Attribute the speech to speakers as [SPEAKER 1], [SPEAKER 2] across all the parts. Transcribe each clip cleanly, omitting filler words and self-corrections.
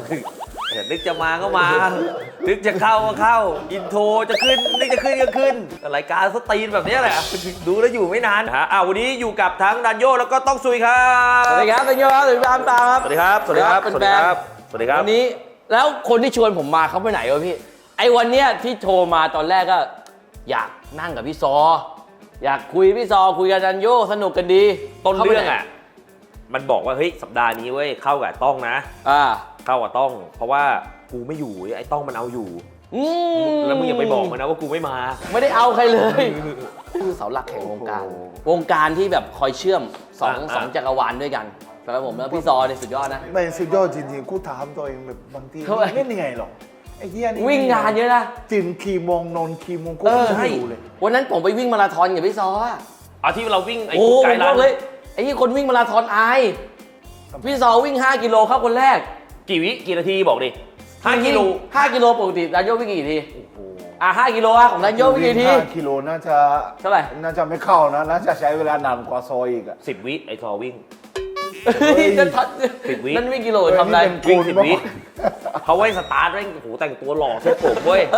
[SPEAKER 1] นึกจะมาก็มา นึกจะเข้าก็เข้า อินโทรจะขึ้น นึกจะขึ้นก็ขึ้น รายการสตรีนแบบนี้แหละ ดูแล้วอยู่ไม่นานฮะวันนี้อยู่กับทั้งดันโยแล้วก็ต้องซุยครับ
[SPEAKER 2] สวัสดีครับดันโยครับสวัสดีครับตาครับ
[SPEAKER 1] สวัสดีครับ สวัสดีครับ สวัสดีครับ สวัสดีครับ
[SPEAKER 2] วันนี้แล้วคนที่ชวนผมมาเขาไปไหนวะพี่ ไอ้วันเนี้ยที่โทรมาตอนแรกก็อยากนั่งกับพี่ซอ อยากคุยพี่ซอคุยกับดันโยสนุกกันดี
[SPEAKER 1] ต้นเรื่องอ่ะ มันบอกว่าเฮ้ยสัปดาห์นี้เว้ยเข้ากับต้องนะ เข้ากับต้อง เพราะว่ากูไม่อยู่ไอ้ต้องมันเอาอยู่แล้วมึงอย่าไปบอกมันนะว่ากูไม่มา
[SPEAKER 2] ไม่ได้เอาใครเลยคือเสาหลักแห่งวงการ วงการที่แบบคอยเชื่อมสองจักรวาลด้วยกันสำหรับผมแล้วพี่ซอเนี่ยสุดยอดนะ
[SPEAKER 3] ไม่สุดยอดจริงๆกูถามตัวเองแบบบางทีเล่นยังไงหรอไอ้เหี้ยนี่
[SPEAKER 2] วิ่งงานเยอะนะ
[SPEAKER 3] ตื่นขี่โมงนอนขี่โมงกูไม่รู้เลย
[SPEAKER 2] วันนั้นผมไปวิ่งมาราธอนกับพี่ซออะ
[SPEAKER 1] เอาที่เราวิ่งไอ้
[SPEAKER 2] โอ้
[SPEAKER 1] ไกล
[SPEAKER 2] ผมบ
[SPEAKER 1] รั
[SPEAKER 2] อน กเลยไอ้ที่คนวิ่งมาราธอนอายพี่ซอวิ่ง5กิโลเข้าคนแรก
[SPEAKER 1] กี่นาทีบอกดิ5 กิโล
[SPEAKER 2] 5กิโลปกติดันโยวิ่งกี่ที5กิโลของดันโยวิ่งกี่ที
[SPEAKER 3] 5 กิโลน่าจะ
[SPEAKER 2] เท่าไหร่
[SPEAKER 3] น่าจะไม่เข้านะน่าจะใช้เวลานานกว่าซอยอีกอะ
[SPEAKER 1] 10 วิไอ้ซอวิ่ง
[SPEAKER 2] จะทัด
[SPEAKER 1] 10 วิ
[SPEAKER 2] นั่นวิ่งกิโลทำได้
[SPEAKER 1] วิ่ง10 วิเขาไว้สตาร์ทไว้โอ้โหแต่งตัวหล่อเซ็ตผมเว้ย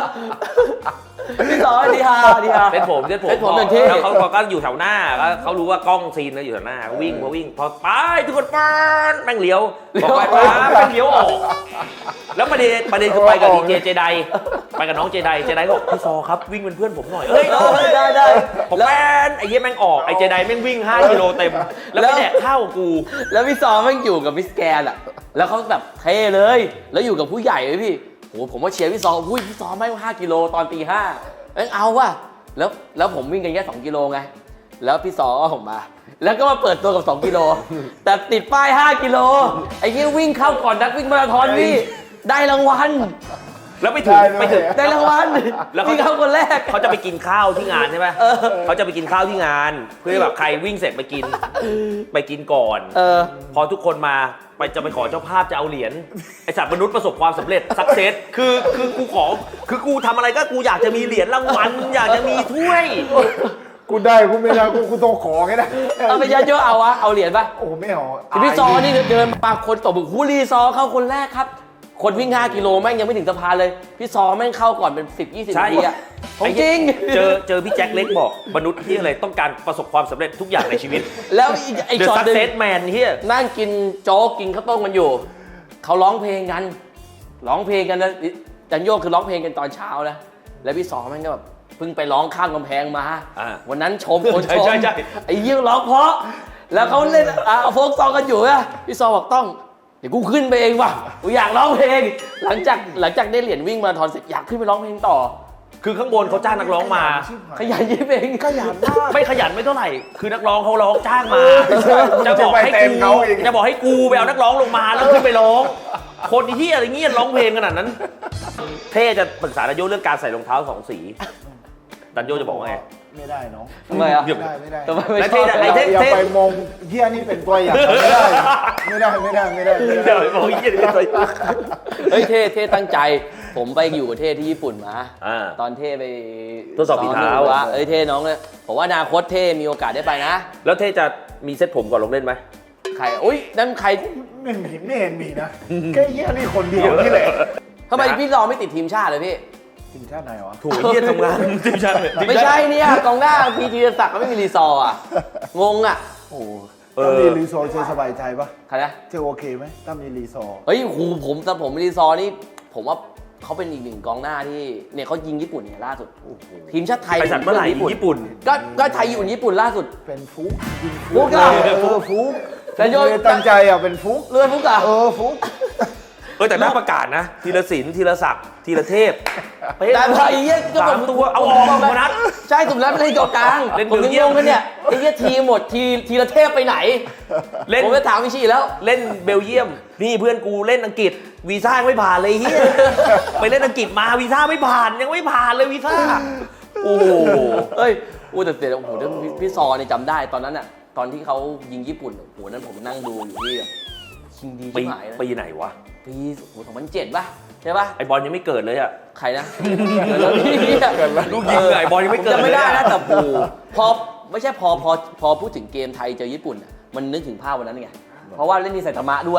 [SPEAKER 2] พี่ซอดีฮาดีฮา
[SPEAKER 1] เซ็ตผม
[SPEAKER 2] หนึ่งที่
[SPEAKER 1] แล้วเขาก็อยู่แถวหน้าแล้วเขารู้ว่ากล้องซีนแล้วอยู่แถวหน้าวิ่งพอไปทุกคนป้านแม่งเลี้ยวพอไปแม่งเลี้ยวออกแล้วประเด็นคือไปกับดีเจเจไดไปกับน้องเจไดบอกพี่ซอครับวิ่งเป็นเพื่อนผมหน่อยเอ้ย
[SPEAKER 2] ได้
[SPEAKER 1] ผมแม่นไอ้เหี้ยแม่งออกไอ้เจไดแม่งวิ่ง5 กิโลเต็มแล้วไปแดกข้าวกู
[SPEAKER 2] แล้วพี่ซอแม่งอยู่กับมิสแกนอะแล้วเขาแบบเท่เลย แล้วอยู่กับผู้ใหญ่เลยพี่โหผมว่าเชียร์พี่ซออุ้ยพี่ซอแม่ง5 กิโลตอนตี 5เอ้ยเอาว่ะแล้วผมวิ่งกันแค่2 กิโลไงแล้วพี่ซอก็ผมมาแล้วก็มาเปิดตัวกับ2 กิโลแต่ติดป้าย5 กิโลไอ้เงี้ยวิ่งเข้าก่อนนักวิ่งมาราธอนพี่ได้รางวัล
[SPEAKER 1] แล้วไปถึง
[SPEAKER 2] ได้รางวัล
[SPEAKER 1] แล้ว
[SPEAKER 2] วิ่งเข้าคนแรก
[SPEAKER 1] เขาจะไปกินข้าวที่งานใช่ไหมเขาจะไปกินข้าวที่งาน เพื่อแบบใครวิ่งเสร็จไปกินก่อน พอทุกคนมาจะไปขอเจ้าภาพจะเอาเหรียญไอสัตว์มนุษย์ประสบความสำเร็จสักเซสคือกูทำอะไรก็กูอยากจะมีเหรียญรางวัลอยากจะมีถ้วย
[SPEAKER 3] กูได้กูไม่ได้กูต้องขอไงนะ
[SPEAKER 2] เอาไปยัดเยอะเอาเหรียญป่ะ
[SPEAKER 3] โอ้ไม่เอา
[SPEAKER 2] พี่ซอนี่เดินมาคนตบมือฮูรีซอเข้าคนแรกครับคนวิ่ง5 กิโลแม่งยังไม่ถึงสะพานเลยพี่ซอแม่งเข้าก่อนเป็น10-20 นาทีอะของจริง
[SPEAKER 1] เจอพี่แจ็คเล็กบอกมนุษย์ที่อะไรต้องการประสบความสำเร็จทุกอย่างในชีวิต
[SPEAKER 2] แล้วไอ้
[SPEAKER 1] The
[SPEAKER 2] ช็อตหนึ่ง
[SPEAKER 1] Success Man เฮีย
[SPEAKER 2] นั่งกินโจ๊กกินข้าวต้มกันอยู่เขาร้องเพลงกันนะจันโยกคือร้องเพลงกันตอนเช้านะแล้วพี่ซอแม่งก็แบบเพิ่งไปร้องข้ามกำแพงมาวันนั้นชมคนชมไอ้ยี่ร้องเพราะแล้วเขาเล่นโฟกซองกันอยู่อะพี่ซอบอกต้องเดี๋ยวกูขึ้นไปเองว่ะกูอยากร้องเพลงหลังจากได้เหรียญวิ่งมาราธอนเสร็จอยากขึ้นไปร้องเพลงต่อ
[SPEAKER 1] คือข้างบนเขาจ้างนักร้องมา
[SPEAKER 2] ขยันยิบเอง
[SPEAKER 3] ขยันมาก
[SPEAKER 1] ไม่ขยันไม่เท่าไหร่คือนักร้องเขาร้องจ้างมาจะบอกให้กูไปเอานักร้องลงมาแล้วขึ้นไปร้องคนที่อะไรเงี้ยร้องเพลงขนาดนั้นเท่จะปรึกษาดันโยเรื่องการใส่รองเท้า2 สีดันโยจะบอกว่าไง
[SPEAKER 3] ไม่ได้น้อง
[SPEAKER 2] ทำไมอ่ะ
[SPEAKER 3] ไม่ได้
[SPEAKER 2] ทำไมไม่
[SPEAKER 1] แล้ว
[SPEAKER 2] ชอบ
[SPEAKER 3] อย่าไปมองเหี้ยนี่เป็นตัวอย่างไม่ได้
[SPEAKER 1] เดี๋ยวบอกเยี่ยเลย
[SPEAKER 2] เฮ้ยเท่ตั้งใจผมไปอยู่กับเท่ที่ญี่ปุ่นมาตอนเท่ไป
[SPEAKER 1] ทดสอบฝีเท้า
[SPEAKER 2] เท่น้องเลยผมว่าอนาคตเท่มีโอกาสได้ไปนะ
[SPEAKER 1] แล้วเท่จะมีเซ็ตผมก่อนลงเล่นไหม
[SPEAKER 2] ใครอุ้ยนั่นใคร
[SPEAKER 3] ไม่เห็นมีนะแค่เหี้ยนี่คนเดียวนี่แหละ
[SPEAKER 2] ทำไมพี่รอไม่ติดทีมชาติเลยพี่
[SPEAKER 3] ทีมชาติไหนวะ
[SPEAKER 1] ถูกเยี่ยทำงานทีมชาติ
[SPEAKER 2] ไม่ใช่เนี่ยกองหน้าพีทีศักดิ์ก็ไม่มีรีซอร์อ่ะงงอ่ะ
[SPEAKER 3] โอ้ถ้ามีรีซอร์จะสบายใจปะ
[SPEAKER 2] ใครนะ
[SPEAKER 3] จะโอเคไหมถ้ามีรีซอร์
[SPEAKER 2] เฮ้ยผมรีซอร์นี่ผมว่าเขาเป็นอีกหนึ่งกองหน้าที่เนี่ยเขายิงญี่ปุ่นเนี่ยล่าสุดทีมชาติไทย
[SPEAKER 1] ไปสัตว์เมื่อไหร่ญี่ปุ่น
[SPEAKER 2] ก็ไทยอยู่ญี่ปุ่นล่าสุด
[SPEAKER 3] เป็นฟุกยิง
[SPEAKER 2] ฟุกอ่ะ
[SPEAKER 3] ฟุก
[SPEAKER 2] แต่โยน
[SPEAKER 3] ตั้งใจอ่ะเป็นฟุก
[SPEAKER 2] เรือฟุกอ่ะ
[SPEAKER 3] ฟุก
[SPEAKER 1] แต่น่าประกาศนะธีรศิลป์ธีรศักดิ์ธีรเทพ
[SPEAKER 2] แต่พอไอ้เหี้ยก็
[SPEAKER 1] 3 ตัวเอาออกมานัด
[SPEAKER 2] ใช่สุดแล้วไม่เล่นกองกลางผมยังงงกันเนี่ยไอ้เหี้ยทีหมดทีละเทพไปไหนผมจะถามวิชีแล้ว
[SPEAKER 1] เล่นเบลเยียมนี่เพื่อนกูเล่นอังกฤษวีซ่าไม่ผ่านเลยเฮียไปเล่นอังกฤษมาวีซ่าไม่ผ่านยังไม่ผ่านเลยวีซ่าโอ้
[SPEAKER 2] เฮ้ยแต่เสียโอ้โหพี่ซอเนี่ยจำได้ตอนนั้นอ่ะตอนที่เขายิงญี่ปุ่นโอ้โหนั้นผมนั่งดูอยู่ที่ชิงดีชิบหายนะ
[SPEAKER 1] ปีไหนวะ
[SPEAKER 2] ปี2007ป่ะใช่ป่ะ
[SPEAKER 1] ไอบอลยังไม่เกิดเลยอ่ะ
[SPEAKER 2] ใครนะเกิดแล้วพี่
[SPEAKER 1] ลูกยิงไอบอลยังไม่เกิด
[SPEAKER 2] จะไม่ได้นะแต่พอไม่ใช่พอพูดถึงเกมไทยเจอญี่ปุ่นมันนึกถึงภาพวันนั้นไงเพราะว่าเล่นที่ไซตามะด้วย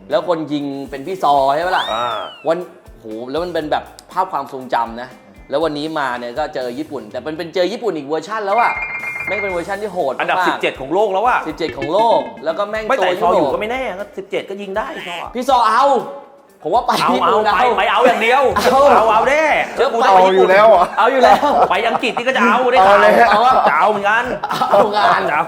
[SPEAKER 2] แล้วคนยิงเป็นพี่ซอใช่ไหมล่ะ วันโหแล้วมันเป็นแบบภาพความทรงจำนะแล้ววันนี้มาเนี่ยก็เจอญี่ปุ่นแต่เป็นเจอญี่ปุ่นอีกเวอร์ชันแล้วอะแม่งเป็นเวอร์ชันที่โหด
[SPEAKER 1] อันดับ
[SPEAKER 2] มาก
[SPEAKER 1] 17 ของโลกแล้วอะ
[SPEAKER 2] 17 ของโลกแล้วก็แม่ง
[SPEAKER 1] ไม่
[SPEAKER 2] ตั
[SPEAKER 1] แต่
[SPEAKER 2] ว
[SPEAKER 1] ซอ
[SPEAKER 2] ยุ
[SPEAKER 1] อยู่
[SPEAKER 2] โรป
[SPEAKER 1] ก็ไม่แน่ก็17 ก็ยิงได้ซอ
[SPEAKER 2] พี่ซอเอาผมว่าไป
[SPEAKER 1] เอา
[SPEAKER 2] ญี่
[SPEAKER 1] เอา
[SPEAKER 2] ปุ่น
[SPEAKER 1] ไปเอาอย่างเดียว เอาแน่เชื่อกู
[SPEAKER 3] เอาอยู่แล้วอ่ะ
[SPEAKER 2] เอาอยู่แล้ว
[SPEAKER 1] ไปอังกฤษนี่ก็จะเอาได้
[SPEAKER 3] เอาเลย
[SPEAKER 1] เอาจะเอาเหมือนกัน
[SPEAKER 2] เอางาน
[SPEAKER 1] จะเอา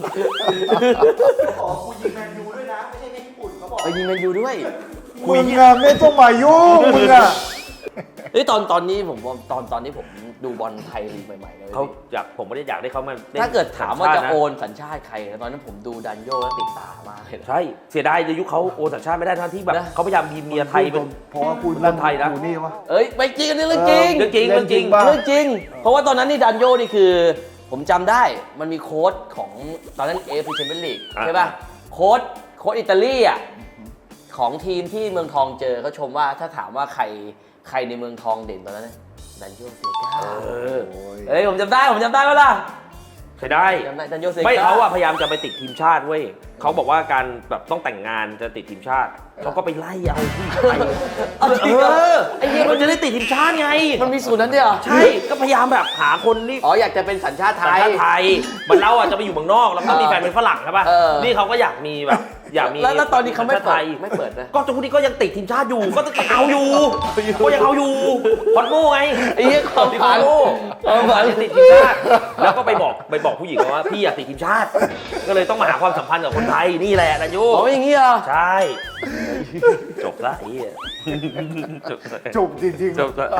[SPEAKER 4] ขอกูยิงแมนยูด้วยนะ ไม่ใช่แค่ญี่ปุ่นเขาบอก
[SPEAKER 2] ไปยิงแมนยูด้วย
[SPEAKER 3] มึงอะไม่ต้องมายุ่งมึงอะ
[SPEAKER 2] เฮ้ยตอนนี้ผมว่าตอนนี้ผมดูบอลไทยลีกใหม่ๆเลย
[SPEAKER 1] เขาอยากผมไม่ได้อยากได้เขามาล่น
[SPEAKER 2] ถ้าเกิดถามว่าจะ
[SPEAKER 1] สัญชติน
[SPEAKER 2] โอนสัญชาติใครนะตอนนั้นผมดูดันโยแล้วติดตามากเลยนะ
[SPEAKER 1] ใช่เสียดายในยุคเขาโอนสัญชาติไม่ได้ทั้งที่แบบ
[SPEAKER 2] นะ
[SPEAKER 1] เขาพยายามมีเมียไทยเป็น
[SPEAKER 3] เพราะว่าคุณ
[SPEAKER 1] คนไทยนะ
[SPEAKER 3] อยู่นี่วะ
[SPEAKER 2] เอ้ยไม่จริงอันนี้เรื่องจริง
[SPEAKER 1] เรื่องจริงเรื่องจริง
[SPEAKER 3] ป่ะ
[SPEAKER 2] เรื่องจริง เพราะว่าตอนนั้นนี่ดันโยนี่คือ ผมจำได้มันมีโค้ชของตอนนั้นเอฟซีแชมเปี้ยนลีกใช่ป่ะโค้ชอิตาลีอ่ะของทีมที่เมืองทองเจอเขาชมว่าถ้าถามว่าใครในเมืองทองเด่นตอนนั้นนะดันโยเซกาเฮ้ยผมจำได้ว่าล่ะ
[SPEAKER 1] ใช่ได้
[SPEAKER 2] จำได้ดันโยเซกา
[SPEAKER 1] ไม่เขาอะพยายามจะไปติดทีมชาติเว้ยเขาบอกว่าการแบบต้องแต่งงานจะติดทีมชาติเขาก็ไปไล่เอาผู้หญิงไป
[SPEAKER 2] เอาจริงเหรอ
[SPEAKER 1] ไอ้เหี้ยมันจะได้ติดทีมชาติไง
[SPEAKER 2] มันมีสูตรนั้นด้วยเหรอ
[SPEAKER 1] ใช่ก็พยายามแบบหาคนที่
[SPEAKER 2] อ๋ออยากจะเป็นสัญชาติไท
[SPEAKER 1] สัญ
[SPEAKER 2] ย
[SPEAKER 1] ชาติไทยมันเราอะจะไปอยู่เมืองนอกแล้วก็มีแฟนเป็นฝรั่งใช่ป่ะ
[SPEAKER 2] เออ
[SPEAKER 1] นี่เขาก็อยากมีแบบอยากมี
[SPEAKER 2] แล้วตอนนี้เขาไม่
[SPEAKER 1] สัญชาติ
[SPEAKER 2] เปิ
[SPEAKER 1] ไท
[SPEAKER 2] ด
[SPEAKER 1] ย
[SPEAKER 2] ไม่เปิดนะ
[SPEAKER 1] ก็ทุกนี้ก็ยังติดทีมชาติอยู่ก็ต้องเอาอยู่ก็ยังเอาอยู่พอดโม่ไง
[SPEAKER 2] ไอ้เหี้ยความ
[SPEAKER 1] พ
[SPEAKER 2] ฝั
[SPEAKER 1] อด
[SPEAKER 2] น
[SPEAKER 1] โม่
[SPEAKER 2] ความฝัน
[SPEAKER 1] ติดทีมชาติแล้วก็ไปบอกผู้หญิงว่าพี่อยากติดทีมชาติ ก็เลยต้องมาหาความสัมพันธ์กับคนไทยนี่แหละนะโย
[SPEAKER 2] อ๋ออย่างงี้เหรอ
[SPEAKER 1] ใช่จบละไอ้เหี้ยจบละ
[SPEAKER 3] จบจริงๆ
[SPEAKER 1] จบละ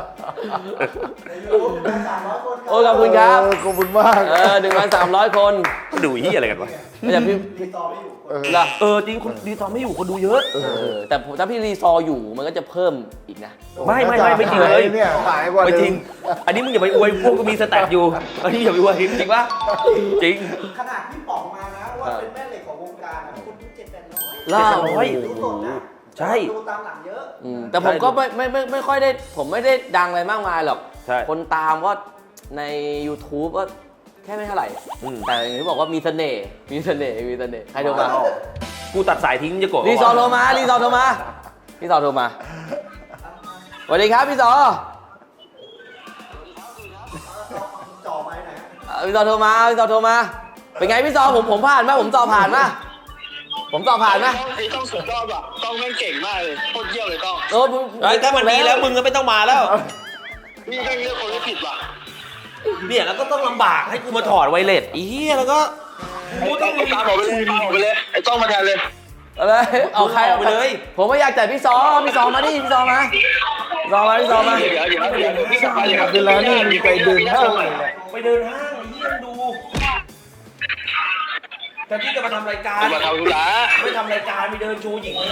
[SPEAKER 4] 300 คน
[SPEAKER 2] โอ้ยขอบคุณครับ
[SPEAKER 3] ขอบคุณมาก
[SPEAKER 2] 1,300 คน
[SPEAKER 1] ดูเหี้ยอะไรกันวะ
[SPEAKER 2] ไม่ใช่พี่
[SPEAKER 4] ติดต่อไม่อยู่
[SPEAKER 2] เหรอ
[SPEAKER 1] จริงคนดีตอนไม่อยู่คนดูเยอะ
[SPEAKER 2] แต่ถ้าพี่รีซอร์อยู่มันก็จะเพิ่มอีกนะ
[SPEAKER 1] ไม่จริงเลย
[SPEAKER 3] เนี่ยหายกว่า
[SPEAKER 1] ไม่
[SPEAKER 3] เดิ
[SPEAKER 1] จริง
[SPEAKER 3] ม
[SPEAKER 1] อันนี้มึงอย่าไปอวยพวกก็มีสแตทอยู่ อันนี้อย่าไปอวยจริงปะจริง
[SPEAKER 4] ขนาดพี่ป๋องมานะว่าเป็นแม่เหล็กของวงการนะคนดู700-800
[SPEAKER 2] ล่า
[SPEAKER 4] ดูสดนะ
[SPEAKER 1] ใช่
[SPEAKER 4] ดูตามหลังเยอะ
[SPEAKER 2] แต่ผมก็ไม่ค่อยได้ผมไม่ได้ดังอะไรมากมายหรอก
[SPEAKER 1] ใช่
[SPEAKER 2] คนตามก็ใน YouTube ก็แค่ไม่เท่าไหร่ แต่อย่างที่บอกว่ามีเสน่ห์ใครโทรมา
[SPEAKER 1] กูตัดสายทิ้งจะโกรธ
[SPEAKER 2] รีซอร์โทรมาพี่ซอร์โทรมาสวัสดีครับพี่ซอร์
[SPEAKER 4] จ่อไม้ไหน
[SPEAKER 2] พี่ซอร์โทรมาเป็นไงพี่ซอร์ผมผ่านไหมผมสอบผ่านไหม
[SPEAKER 5] ไอ้ต้องสุดยอดว่ะต้องแม่งเก่งมากเลยโคตรเยี่ยมเลยต้อง
[SPEAKER 1] ถ้ามันดีแล้วมึงก็ไม่ต้องมาแล้ว
[SPEAKER 5] นี่แม่งเลือกคนไม่ผิดว่ะ
[SPEAKER 1] เนี่ยแล้วก็ต้องลำบากให้กูมาถอดไวเลสอีเหี้ยแล้วก็กูต้อง
[SPEAKER 5] ตามออกไปเลยไอ้ต้องมาแทนเลย
[SPEAKER 2] อะไรเอาใคร
[SPEAKER 1] ออกไปเลย
[SPEAKER 2] ผมไม่อยากจ่ายพี่ซอมาดิพี่ซอมา
[SPEAKER 5] เดี๋ยวพี่กลับไปเลยครับ
[SPEAKER 3] เวลานี่มีไปเดินห้างเลยแหละ
[SPEAKER 1] ไปเดินห้างไอ้เหี้ยดูแต่ที่จะมาทำรายการ
[SPEAKER 5] มาทำธุระ
[SPEAKER 1] ไม่ทำรายการไปเดินโชว์หญิง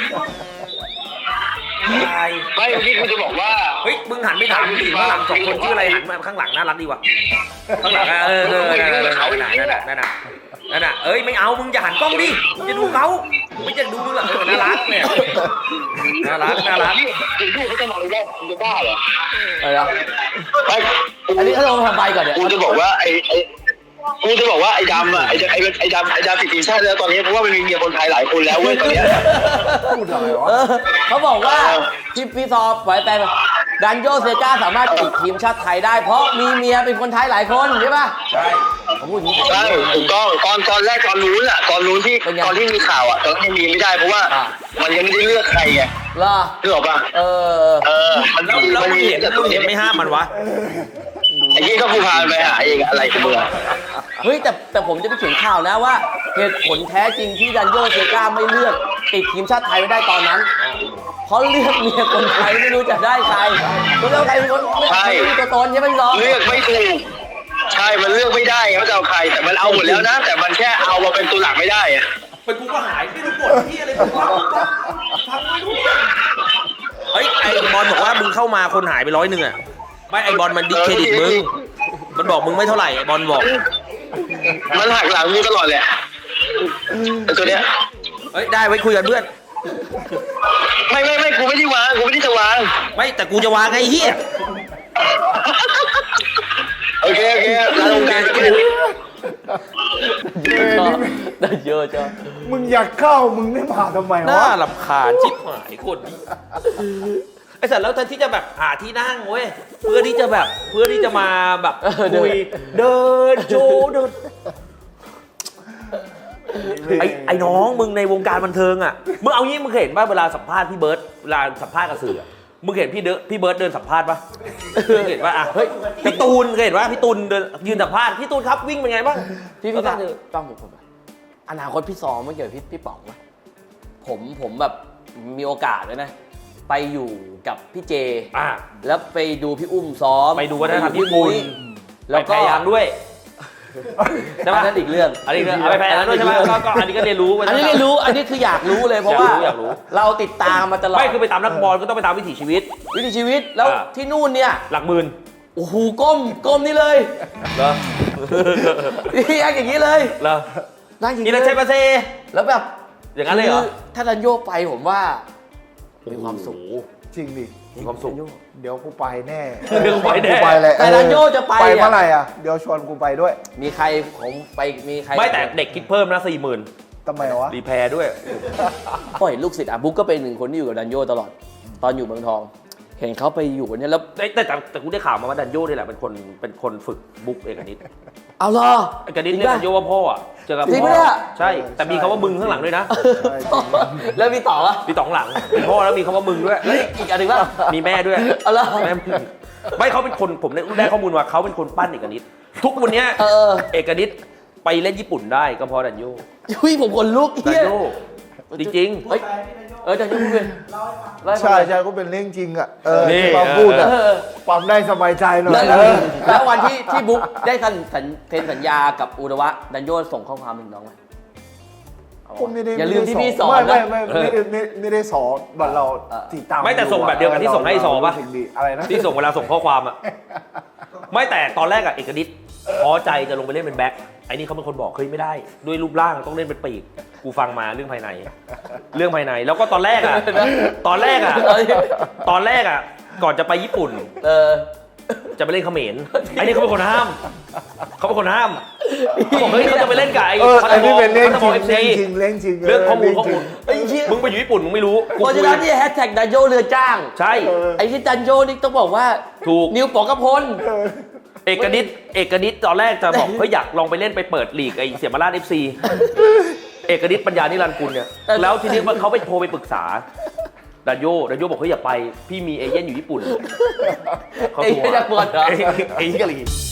[SPEAKER 1] ตาย
[SPEAKER 5] ไม่เมื่อกี้คุณจะบอกว่า
[SPEAKER 1] เฮ้ยมึงหันไปถามผู้หญิงข้างหลังสองคนชื่ออะไรหันมาข้างหลังน่ารักดีว่ะข้างหลังนั่นน่ะเอ้ยไม่เอามึงอย่าหันกล้องดิจะดูเขาไม่จะดูมึงหรอกน่ารักเนี่ยน่ารัก
[SPEAKER 5] คุณดูเขาจะนอนเลยคุณจะบ้าเหรอ
[SPEAKER 2] อะไรนะ
[SPEAKER 5] ไม่
[SPEAKER 2] อันนี้เขาลงทำใบก่อนเนี่ย
[SPEAKER 5] กูจะบอกว่าไอ้ดำอ่ะไอ้ดำติดทีมชาติแล้วตอนนี้เพราะว่ามันมีเมียคนไทยหลายคนแล้วเว้ยตอนเนี้ย
[SPEAKER 3] พูดอะไรวะ
[SPEAKER 2] เขาบอกว่าพี่ซอไว้แต่ดันโยเซกาสามารถติดทีมชาติไทยได้ เพราะมีเมียเป็นคนไทยหลายคนใช่ป่ะใช่ผมพูดอย่างนี้
[SPEAKER 5] ใช่ถูกต้องตอนแรกตอนนู้นที่ตอนที่มีข่าวอ่ะตอนนั้นมีไม่ได้เพราะว่ามันยังไม่ได้เลือกใครไง
[SPEAKER 2] เหรอ
[SPEAKER 5] นึกออกป่ะ มัน
[SPEAKER 1] แล้ว
[SPEAKER 5] มัน
[SPEAKER 1] มึง
[SPEAKER 5] มี
[SPEAKER 1] เห็นมึงเห็นไม่ห้ามมันวะ
[SPEAKER 5] ไอ้ที่ก็ผู้พานไปหาเองอะไรกันเมื่อ
[SPEAKER 2] เฮ้ยแต่ผมจะไปเขียนข่าวนะว่าเหตุผลแท้จริงที่ดันโยเซกาไม่เลือกติดทีมชาติไทยไม่ได้ตอนนั้นเพราะเลือกเมียคนไทยไม่รู้จะได้ใครไม่รู้ใครเป็นคนไม่รู้ตัวตนใช่ไหมพี่ซอ
[SPEAKER 5] เลือกไม่ถูกใช่มันเลือกไม่ได้เขาจะเอาใครแต่มันเอาหมดแล้วนะแต่มันแค่เอามาเป็นตัวหลักไม่ได้อะ
[SPEAKER 1] เป็นกูก็หายไม่รู้กดที่อะไรกูฟังไม่รู้เฮ้ยไอบอลบอกว่ามึงเข้ามาคนหายไป100อ่ะไม่ไอบอลมันดิสเครดิตมึงมันบอกมึงไม่เท่าไหร่ไอบอลบอก
[SPEAKER 5] มันหักหลังมึงตลอดเลยไอ้ตัวเนี้ย
[SPEAKER 1] เฮ้ยได้ไว้คุยกันเพื่อน
[SPEAKER 5] ไม่กูไม่ได้วางกูไม่ได้จะวาง
[SPEAKER 1] ไม่แต่กูจะวางไอ้เหี้ย
[SPEAKER 5] โอเคลาลงการกัน
[SPEAKER 2] ได้เยอะจ้ะ
[SPEAKER 3] มึงอยากเข้ามึงไม่มาทำไม
[SPEAKER 1] น่าว
[SPEAKER 3] ะ
[SPEAKER 1] รำคาญชิบหายคนนี้ไอ้สัตว์แล้วแทนที่จะแบบหาที่นั่งเว้ยเพื่อที่จะมาแบบคุยเดินโชว์เดินไอ้น้องมึงในวงการบันเทิงอ่ะมึงเอางี้มึงเคยเห็นป่ะเวลาสัมภาษณ์พี่เบิร์ดเวลาสัมภาษณ์กับสื่อมึงเห็นพี่เบิร์ดเดินสัมภาษณ์ป่ะมึงเห็นป่ะอ่ะเฮ้ยพี่ตูนเคยเห็นป่ะพี่ตูนเดินยืนสัมภาษณ์พี่ตูนครับวิ่งเป็นไงบ้าง
[SPEAKER 2] พี่ต้องผมอนาคตพี่ซอไม่เกี่ยวกับพี่ป๋องไหมผมแบบมีโอกาสเลยนะ ไปอยู่กับพี่เจ แล้วไปดูพี่อุ้มซ้อม
[SPEAKER 1] ไปดูวัฒนธรรมญี่ปุ่น
[SPEAKER 2] แล้วก็
[SPEAKER 1] พยายามด้วย
[SPEAKER 2] ใช่ไหมนั่นอีกเรื่อง
[SPEAKER 1] อันนี้เอาไปแพ้แล้วด้วยใช่ไหมก็อันนี้ก็เรียนรู้
[SPEAKER 2] อันนี้เรียนรู้อันนี้คืออยากรู้เลยเพราะว่า
[SPEAKER 1] อยากรู้
[SPEAKER 2] เราติดตามมาตลอด
[SPEAKER 1] ไม่คือไปตามนักบอลก็ต้องไปตามวิถีชีวิต
[SPEAKER 2] วิถีชีวิตแล้วที่นู่นเนี่ย
[SPEAKER 1] หลักหมื่น
[SPEAKER 2] โอ้โหก้มนี่เลย
[SPEAKER 1] เหรอ
[SPEAKER 2] นี่อย่างนี้เลย
[SPEAKER 1] เหรอ
[SPEAKER 2] นั่งอย่าง
[SPEAKER 1] นี่
[SPEAKER 2] นี้
[SPEAKER 1] เราใช่ปะเซ
[SPEAKER 2] แล้วแบบ
[SPEAKER 1] อย่างนั้นเลยเหรอ
[SPEAKER 2] คือถ้าดันโยไปผมว่ามีความสุข
[SPEAKER 3] จริงดิ
[SPEAKER 1] มีความสุข
[SPEAKER 3] เดี๋ยวกูไปแน่
[SPEAKER 1] เดี๋ยวกูไปแน่
[SPEAKER 3] กูไปแหละ
[SPEAKER 2] แต่ดันโยจะไป
[SPEAKER 3] ไป
[SPEAKER 2] เนี่ย
[SPEAKER 3] เมื่อไหร่อ่ะเดี๋ยวชวนกูไปด้วย
[SPEAKER 2] มีใครผมไปมีใคร
[SPEAKER 1] ไม่แต่เด็กคิดเพิ่มนะ40,000
[SPEAKER 3] ทำไมวะ
[SPEAKER 1] รีแพร์ด้วย
[SPEAKER 2] ก็เห็นลูกศิษย์บุ๊กก็เป็นหนึ่งคนที่อยู่กับดันโยตลอด ตอนอยู่เมืองทอง เห็นเขาไปอยู่กันเนี่ยแล้ว
[SPEAKER 1] แต่กูได้ข่าวมาว่าดันโย่นี่แหละเป็นคนฝึกบุ๊กเอกนิด
[SPEAKER 2] เอาเหรอ
[SPEAKER 1] เอกนิดเรียกดันโย่ว่าพ่ออ่ะเจอกับ
[SPEAKER 2] จริง
[SPEAKER 1] พ่
[SPEAKER 2] ปะเนี่ย
[SPEAKER 1] ใช่ แต่มีคำว่ามึงข้างหลังด้วยนะ
[SPEAKER 2] แล้วมีต่อวะ
[SPEAKER 1] มีตองหลังเป็นพ่อแล้วมีคำว่ามึงด้วย
[SPEAKER 2] อีกอันหนึ่งว่า
[SPEAKER 1] มีแม่ด้วย
[SPEAKER 2] เอาเหรอ
[SPEAKER 1] แม่มึงไม่เขาเป็นคนผมได้ข้อมูลว่าเขาเป็นคนปั้นเอกนิดทุกวันเนี้ย เอกนิดไปเล่นญี่ปุ่นได้ก็เพราะดันโย่
[SPEAKER 2] ยุ้ยผมขนลุก
[SPEAKER 1] ดั
[SPEAKER 2] เฮี
[SPEAKER 1] น
[SPEAKER 2] ย
[SPEAKER 1] โย่จริง
[SPEAKER 2] เฮ้ยดันโยพูดเลย
[SPEAKER 3] ใช่ใช่ก็เป็นเรื่องจริงอ่ะ
[SPEAKER 1] นี่
[SPEAKER 3] ที่มาพูดอ่ะ
[SPEAKER 2] เออ
[SPEAKER 3] ความได้สบายใจหน่อย
[SPEAKER 2] แล้ว
[SPEAKER 3] เออ
[SPEAKER 2] แล้ววันที่บุ๊กได้เซ็นสัญญากับอุระวะดันโยส่งข้อความถึงน้องไหม
[SPEAKER 3] ผมไม่ได้
[SPEAKER 2] อย่าลืมที่พี่สอน
[SPEAKER 3] ไม่
[SPEAKER 2] นะ
[SPEAKER 3] ไม่ได้สอนบัตรเราติดตาม
[SPEAKER 1] ไม่แต่ส่งแบบเดียวกับที่ส่งให้ซอป่ะ
[SPEAKER 3] สิ่งดีอะไรนะ
[SPEAKER 1] ที่ส่งเวลาส่งข้อความอ่ะ ไม่แต่ตอนแรกอะเอกนิดท้อใจจะลงไปเล่นเป็นแบ็คไอ้นี่เขาเป็นคนบอกเฮ้ยไม่ได้ ด้วยรูปร่างต้องเล่นเป็นปีกกูฟังมาเรื่องภายใน แล้วก็ตอนแรกอะก่อนจะไปญี่ปุ่น จะไปเล่นเขมรไอ้นี่เขาเป็นคนห้ามเขาบอกเฮ้ยเขาจะไปเล่นกับไอ้
[SPEAKER 3] ไอ้นี่เป็นเรื่อง
[SPEAKER 1] พัทบอล
[SPEAKER 3] จริงเรื่องจริง
[SPEAKER 1] เรื่องข้อมูล
[SPEAKER 2] ไอ้เหี้ย
[SPEAKER 1] มึงไปอยู่ญี่ปุ่นมึงไม่รู้กู
[SPEAKER 2] เพราะฉะนั้นที่แฮชแท็กดันโยเรือจ้าง
[SPEAKER 1] ใช่
[SPEAKER 2] ไอ้ที่ดันโยนี่ต้องบอกว่า
[SPEAKER 1] ถูก
[SPEAKER 2] นิวปองกระพล
[SPEAKER 1] เอกนิดตอนแรกจะบอกเฮ้ยอยากลองไปเล่นไปเปิดลีกไอ้เสียมาราช FC เอกนิดปัญญานิรันดร์กุลเนี่ยแล้วทีนี้เขาไปโทรไปปรึกษาดันโยบอกเฮ้ยอย่าไปพี่มีเอเย่นอยู่ญี่ปุ่นเขา
[SPEAKER 2] ไอ้
[SPEAKER 1] โทร
[SPEAKER 2] ที่จะปวดเหรอ
[SPEAKER 1] ไอ้กะหรี่